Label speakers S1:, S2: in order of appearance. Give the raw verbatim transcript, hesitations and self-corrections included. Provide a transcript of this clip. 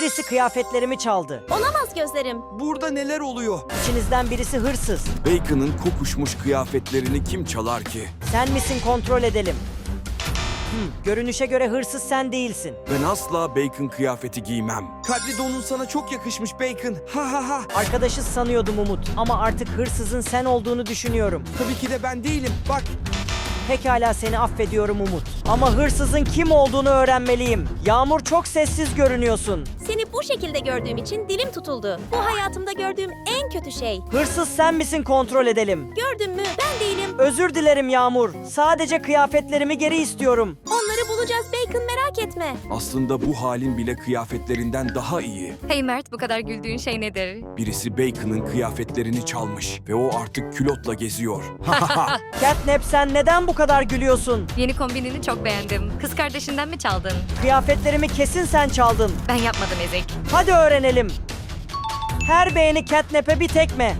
S1: Birisi kıyafetlerimi çaldı.
S2: Olamaz gözlerim.
S3: Burada neler oluyor?
S1: İçinizden birisi hırsız.
S3: Bacon'ın kokuşmuş kıyafetlerini kim çalar ki?
S1: Sen misin, kontrol edelim. Hmm, görünüşe göre hırsız sen değilsin.
S3: Ben asla Bacon kıyafeti giymem. Kadri donun sana çok yakışmış Bacon. Ha ha ha.
S1: Arkadaşız sanıyordum Umut ama artık hırsızın sen olduğunu düşünüyorum.
S3: Tabii ki de ben değilim. Bak.
S1: Pekala, seni affediyorum Umut. Ama hırsızın kim olduğunu öğrenmeliyim. Yağmur, çok sessiz görünüyorsun.
S2: Seni bu şekilde gördüğüm için dilim tutuldu. Bu hayatımda gördüğüm en kötü şey.
S1: Hırsız sen misin, kontrol edelim.
S2: Gördün mü? Ben değilim.
S1: Özür dilerim Yağmur. Sadece kıyafetlerimi geri istiyorum.
S2: Onları bulacağız Bacon, merak etme.
S3: Aslında bu halin bile kıyafetlerinden daha iyi.
S4: Hey Mert, bu kadar güldüğün şey nedir?
S3: Birisi Bacon'ın kıyafetlerini çalmış ve o artık külotla geziyor. Ha ha ha.
S1: Catnap, sen neden bu kadar gülüyorsun?
S4: Yeni kombinini çok beğendim. Kız kardeşinden mi çaldın?
S1: Kıyafetlerimi kesin sen çaldın.
S4: Ben yapmadım Ezik.
S1: Hadi öğrenelim. Her beğeni Catnap'e bir tekme.